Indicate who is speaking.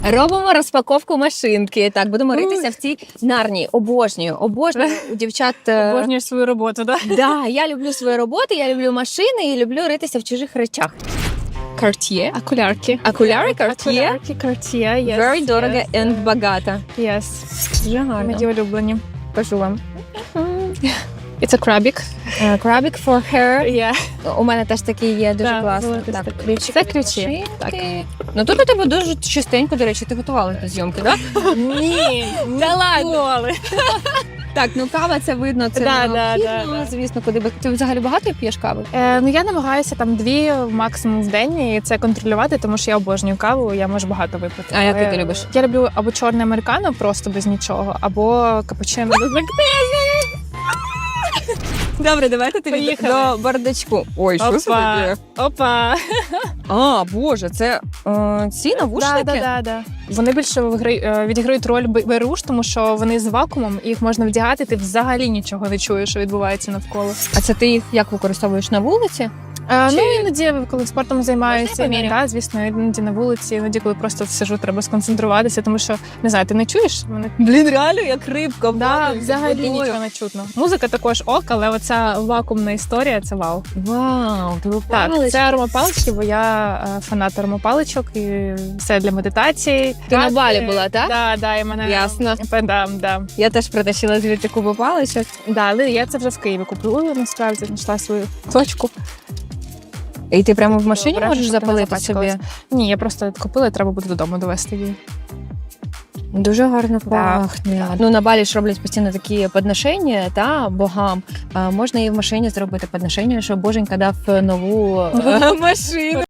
Speaker 1: Робимо розпаковку машинки. Так, будемо ритися в цій нарні. Обожнюю у дівчат.
Speaker 2: Обожнюєш свою роботу, так?
Speaker 1: Да, я люблю свою роботу, я люблю машини і люблю ритися в чужих речах. Cartier.
Speaker 2: Окулярки.
Speaker 1: Окуляри Cartier.
Speaker 2: Окулярки Cartier, yes.
Speaker 1: Very дорого
Speaker 2: yes.
Speaker 1: and багато.
Speaker 2: Yes.
Speaker 1: Дуже гарно.
Speaker 2: Мої улюблені.
Speaker 1: Покажу вам.
Speaker 2: It's a крабік.
Speaker 1: Крабік for hair.
Speaker 2: Yeah.
Speaker 1: У мене теж такий є, дуже
Speaker 2: Да,
Speaker 1: класно.
Speaker 2: великий
Speaker 1: Так,
Speaker 2: такий.
Speaker 1: ключик
Speaker 2: Це
Speaker 1: від
Speaker 2: ключі.
Speaker 1: машинки.
Speaker 2: Так.
Speaker 1: Ну тут у тебе дуже чистенько, до речі, ти готувала до зйомки, так?
Speaker 2: Ні,
Speaker 1: Та ладно.
Speaker 2: ніколи.
Speaker 1: Так, ну кава це видно, це
Speaker 2: Да,
Speaker 1: необхідно,
Speaker 2: да.
Speaker 1: звісно, куди би. Ти взагалі багато п'єш кави?
Speaker 2: Ну я намагаюся там 2 максимум в день і це контролювати, тому що я обожнюю каву, я можу багато випити.
Speaker 1: А яку ти любиш?
Speaker 2: Я люблю або чорне американо просто без нічого, або капучино без лактози.
Speaker 1: Добре, давайте тобі
Speaker 2: Поїхали.
Speaker 1: до бардачку. Ой, що це таке?
Speaker 2: Опа.
Speaker 1: А, боже, це ці навушники?
Speaker 2: Да. Вони більше відіграють роль беруш, тому що вони з вакуумом, і їх можна вдягати, ти взагалі нічого не чуєш, що відбувається навколо.
Speaker 1: А це ти їх як використовуєш на вулиці?
Speaker 2: Ну, іноді, коли спортом займаюся,
Speaker 1: Можна я поміряю?
Speaker 2: звісно, іноді на вулиці, іноді, коли просто сижу, треба сконцентруватися, тому що, не знаю, ти не чуєш? Вони...
Speaker 1: Блін, реально як рибка.
Speaker 2: Да, взагалі нічого не чутно. Музика також ок, але оця вакуумна історія – це вау.
Speaker 1: Вау, ти
Speaker 2: Так, це аромапалички, бо я фанат аромапаличок, і все для медитації.
Speaker 1: Ти на Балі була, так?
Speaker 2: Да, і мене...
Speaker 1: Ясно.
Speaker 2: Да.
Speaker 1: Я теж притащила звідти кубу паличок.
Speaker 2: Да, але я це вже в Києві купила, насправді, знайшла свою точку.
Speaker 1: І ти прямо в машині
Speaker 2: Добре,
Speaker 1: можеш
Speaker 2: щоб ти не
Speaker 1: запалити собі?
Speaker 2: запачкалась. Ні, я просто купила, і треба буде додому довести її.
Speaker 1: Дуже гарно
Speaker 2: Да.
Speaker 1: пахне. Ну, на Балі ж роблять постійно такі підношення та богам. Можна і в машині зробити підношення, що боженька дав нову машину.